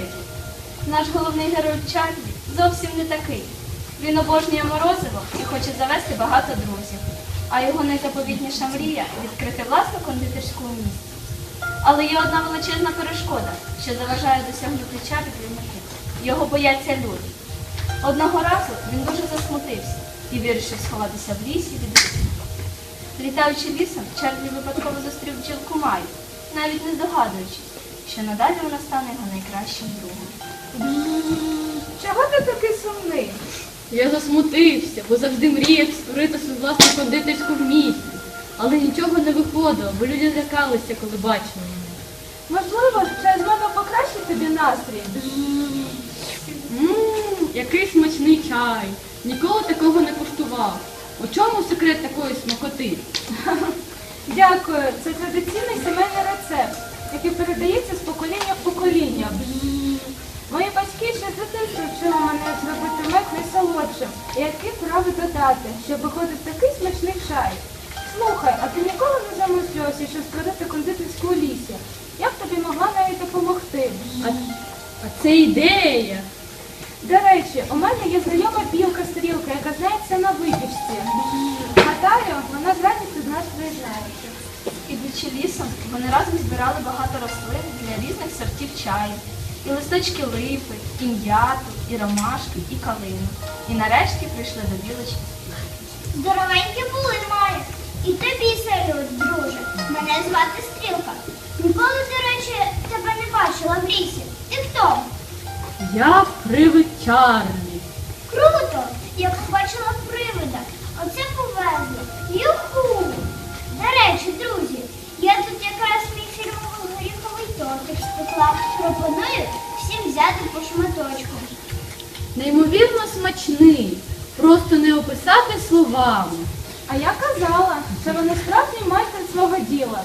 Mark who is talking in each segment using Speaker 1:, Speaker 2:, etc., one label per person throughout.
Speaker 1: секретів. Наш головний герой Чарлі зовсім не такий. Він обожнює морозиво і хоче завести багато друзів. А його найзаповітніша мрія – відкрити власну кондитерську у місті. Але є одна величезна перешкода, що заважає досягнути Чарлі мети. Його бояться люди. Одного разу він дуже засмутився і вирішив сховатися в лісі від усіх. Літаючи лісом, Чарлі випадково зустрів бджілку Маю, навіть не здогадуючись, що надалі вона стане його найкращим другом.
Speaker 2: Чого ти такий сумний?
Speaker 3: Я засмутився, бо завжди мріяв створити свою власну кондитерську в місті. Але нічого не виходило, бо люди злякалися, коли бачили мене.
Speaker 2: Можливо, чай з мене покращить тобі настрій?
Speaker 3: Який смачний чай. Ніколи такого не куштував. У чому секрет такої смакоти?
Speaker 2: Дякую. Це традиційний сімейний рецепт, який передається з покоління в покоління. Мої батьки ще з дитинства вчили мене, як зробити мед найсолодшим і які трави додати, щоб виходив такий смачний чай. Слухай, а ти ніколи не замислювався, що створити кондитерську у лісі? Я б тобі могла навіть допомогти.
Speaker 3: А це ідея.
Speaker 2: До речі, у мене є знайома білка-стрілка, яка знається на випічці. Гадаю, вона з радістю до нас приєднається.
Speaker 1: Ідучи лісом, вони разом збирали багато рослин для різних сортів чаю. І листочки липи, і м'яту, і ромашки, і калину. І нарешті прийшли до білочки.
Speaker 4: Здоровенькі були, Маю. І тобі салют, друже. Мене звати Стрілка. Ніколи, до речі, тебе не бачила в лісі. Ти хто?
Speaker 3: Я привид Чарлі.
Speaker 4: Круто! Я побачила привида. Оце повезло. Юху! До речі, друзі, я тут якраз мій фірмовий горіховий тортик спекла. Пропоную всім взяти по шматочку.
Speaker 3: Неймовірно смачний. Просто не описати словами.
Speaker 2: А я казала, що вони справжній майстер свого діла.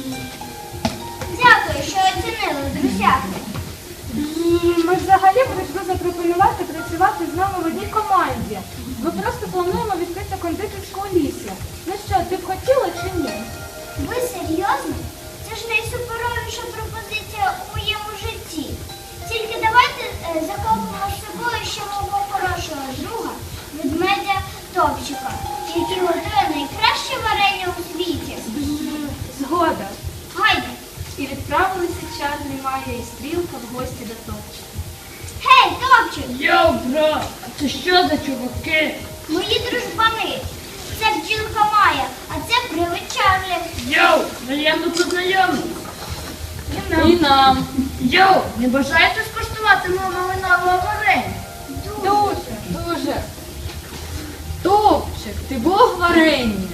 Speaker 4: Дякую, що оцінили, друзяки.
Speaker 2: Ми ж взагалі прийшли запропонувати працювати з нами в одній команді. Ми просто плануємо відкрити кондитерську у лісі. Ну що, ти б хотіла чи ні?
Speaker 4: Ви серйозно? Це ж найсуперовіша пропозиція у моєму житті. Тільки давайте захопимо з собою ще мого хорошого друга, ведмедя Топчика, який готує найкраще варення у світі.
Speaker 2: Згода.
Speaker 4: Гайде!
Speaker 1: І відправилися Чарлі, Майя і Стрілка в гості до Топчика.
Speaker 4: Гей, Топчик!
Speaker 3: Йоу, брат, це що за чуваки?
Speaker 4: Мої дружбани! Це бджілка Майя, а це привид Чарлі.
Speaker 3: Йоу, приємно познайомитися. І нам. Йоу, не бажаєте скуштувати мого малинового варення?
Speaker 2: Дуже.
Speaker 3: Топчик, ти бог варення.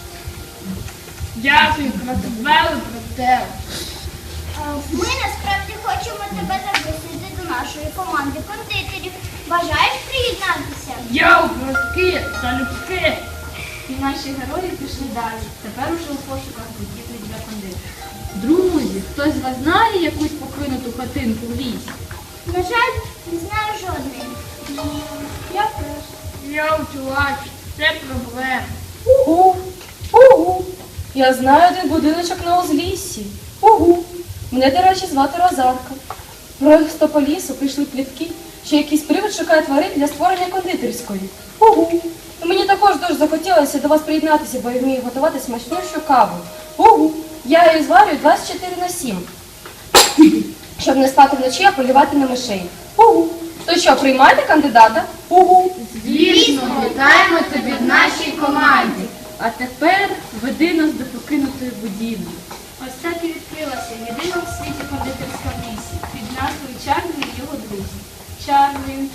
Speaker 3: Дякую, продавали про тебе.
Speaker 4: Ми насправді хочемо тебе запросити до нашої команди кондитерів. Бажаєш приєднатися?
Speaker 3: Йоу, братки, залюбки.
Speaker 1: І наші герої пішли далі, тепер уже у пошуках будівлі для кондитерів.
Speaker 3: Друзі, хтось з вас знає якусь покинуту хатинку в лісі?
Speaker 4: На жаль, не знаю жодної.
Speaker 2: Я теж.
Speaker 3: Йоу, чувак, це проблема.
Speaker 5: Угу, угу. Я знаю один будиночок на узліссі. Угу. Мене, до речі, звати Розарка. Просто по лісу прийшли плітки, що якийсь привид шукає тварин для створення кондитерської. Угу. І мені також дуже захотілося до вас приєднатися, бо я вмію готувати смачнішу каву. Угу. Я її зварюю 24/7. Щоб не спати вночі, а полювати на мишей. Угу. То що, приймаєте кандидата? Угу.
Speaker 3: Звісно, вітаємо тебе в нашій команді. А тепер веди нас до покинутої будівлі.
Speaker 1: Ось так і відкрилася єдина у світі кондитерська в лісі під назвою Чарлі і його друзі. Чарлі,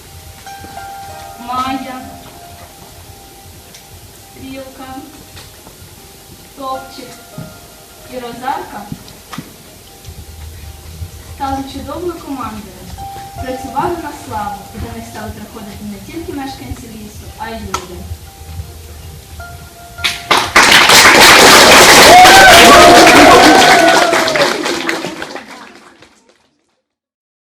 Speaker 1: Майя, Стрілка, Топчик і Розарка стали чудовою командою. Працювали на славу, і до них стали приходити не тільки мешканці лісу, а й люди.